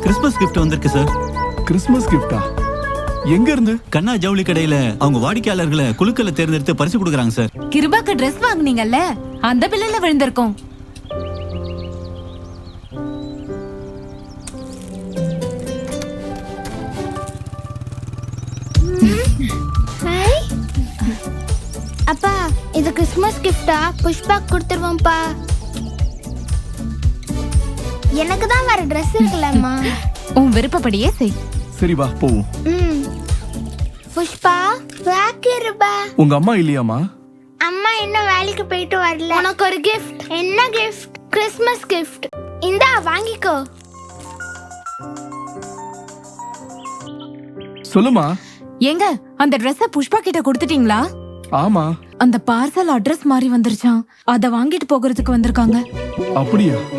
Christmas gift வந்திருக்கு சார். Christmas கிஃப்டா? எங்க இருந்து? கண்ணா ஜவுளி கடையில அவங்க வாடிக்கையாளர்களை குழுக்களை தேர்ந்தெடுத்து பரிசு கொடுக்கறாங்க சார். கிருபாக்கு Dress வாங்குனீங்கல்ல, அந்த பில்லுல விழுந்திருக்கும். அப்பா, இது கிறிஸ்மஸ் கிஃப்டா? புஷ்பா கொடுத்துருவோம்ப்பா. எனக்கு தான் வேற Dress இருக்குல்லம்மா. உன் விருப்பப்படியே செய். சரி வா போவோம். புஷ்பா, வாக்கிருபா. உங்க அம்மா இல்லையாமா? அம்மா இன்னும் வேலைக்கு போயிட்டு வரல. உனக்கு ஒரு கிஃப்ட். என்ன கிஃப்ட்? Christmas gift. இந்தா வாங்கிக்கோ. சொல்லுமா. ஏங்க, அந்த Dress புஷ்பா கிட்ட கொடுத்துட்டீங்களா? ஆமா. அந்த பார்சல் அட்ரஸ் மாறி வந்துருச்சாம். அத வாங்கிட்டு போகிறதுக்கு வந்திருக்காங்க. அப்படியா?